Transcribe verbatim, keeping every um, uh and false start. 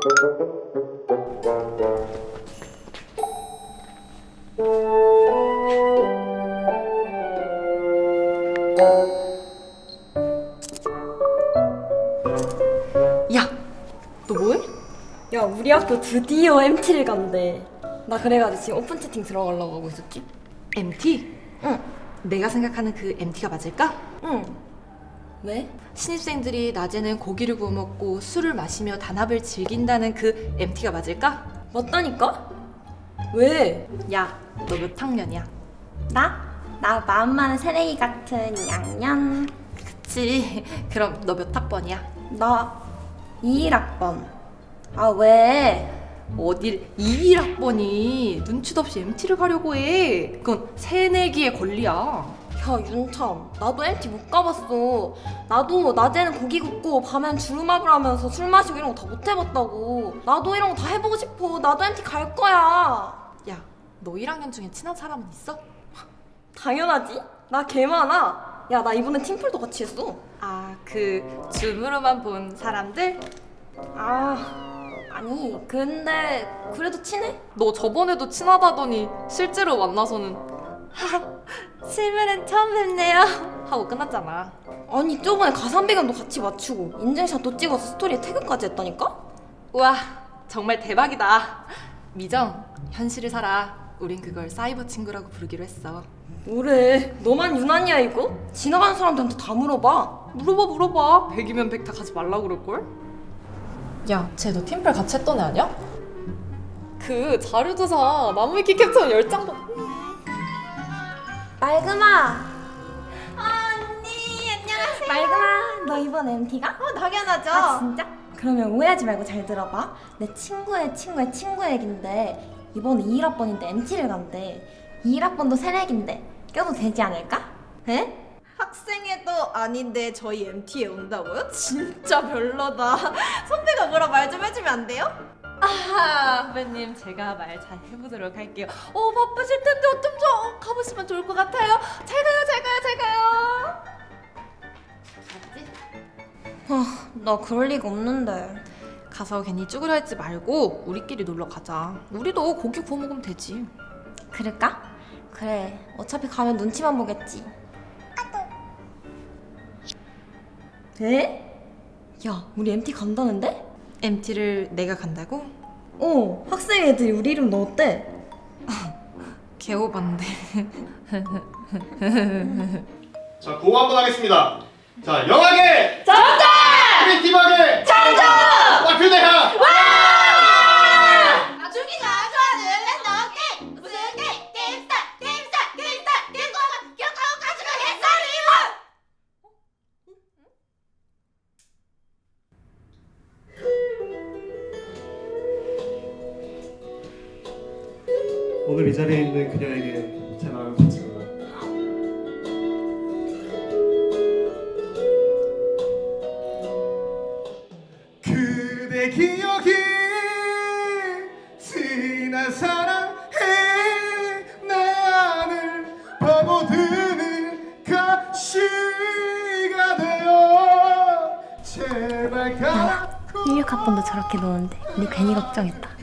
야, 너 뭐해? 야, 우리 학교 드디어 엠티를 간대. 나 그래가지고 지금 오픈 채팅 들어가려고 하고 있었지? 엠티? 응. 내가 생각하는 그 엠티가 맞을까? 응. 왜? 신입생들이 낮에는 고기를 구워 먹고 술을 마시며 단합을 즐긴다는 그 엠티가 맞을까? 맞다니까? 왜? 야, 너 몇 학년이야? 나? 나 마음 많은 새내기 같은 양년. 그치. 그럼 너 몇 학번이야? 나 이일 학번. 아, 왜? 어딜 이일 학번이 눈치도 없이 엠티를 가려고 해. 그건 새내기의 권리야. 야, 윤참, 나도 엠티 못 가봤어. 나도 낮에는 고기 굽고 밤엔 주름합을 하면서 술 마시고 이런 거 다 못 해봤다고. 나도 이런 거 다 해보고 싶어. 나도 엠티 갈 거야. 야, 너 일 학년 중에 친한 사람은 있어? 당연하지. 나 개 많아. 야, 나 이번에 팀플도 같이 했어. 아, 그 줌으로만 본 사람들? 아, 아니, 근데 그래도 친해? 너 저번에도 친하다더니 실제로 만나서는 실물은 처음 뵙네요 하고 끝났잖아. 아니, 저번에 가산 배경도 같이 맞추고 인증샷도 찍어서 스토리에 태그까지 했다니까? 우와, 정말 대박이다. 미정, 현실을 살아. 우린 그걸 사이버 친구라고 부르기로 했어. 뭐래, 너만 유난이야 이거? 지나가는 사람들한테 다 물어봐. 물어봐 물어봐. 백이면 백 다 가지 말라고 그럴걸? 야, 쟤 너 팀플 같이 했던 애 아니야? 그 자료조사 나무위키 캡처 열 장 받... 맑음아. 언니, 안녕하세요. 맑음아, 너 이번 엠티가? 어, 당연하죠. 아, 진짜? 그러면 오해하지 말고 잘 들어봐. 내 친구의 친구의 친구 얘긴데 이번에 이일 학번인데 엠티를 간대. 이일 학번도 새내기인데 껴도 되지 않을까? 에? 학생회도 아닌데 저희 엠티에 온다고요? 진짜 별로다. 선배가 뭐라 말 좀 해주면 안 돼요? 아, 후배님, 제가 말 잘 해보도록 할게요. 어, 바쁘실 텐데 어쩜 좀 가보시면 좋을 것 같아요. 잘 가요, 잘 가요, 잘 가요. 맞지? 아, 나 그럴 리가 없는데. 가서 괜히 쭈그려 있지 말고 우리끼리 놀러 가자. 우리도 고기 구워 먹으면 되지. 그럴까? 그래, 어차피 가면 눈치만 보겠지. 에? 야, 우리 엠티 간다는데? 엠티를 내가 간다고? 어, 학생 애들이 우리 이름 넣었대. 개오반데. 자, 고거 한번 하겠습니다. 자, 영하게! 정답! 크리에이티브하게! 정답! 와표대하! 아, 죽이가 좋아하는 랜덤 게임! 무슨 게임? 게임스타! 게임스타! 게임스타! 게임스타! 기억하고 가지고 해설이원! 오늘 이 자리에 있는 그녀에게 제 마음을 바칩니다. 그대 기억이 지난 사랑해 나를 파고드는 가시가 되어 제발 가. 일육 학번도 저렇게 노는데 우리 괜히 걱정했다.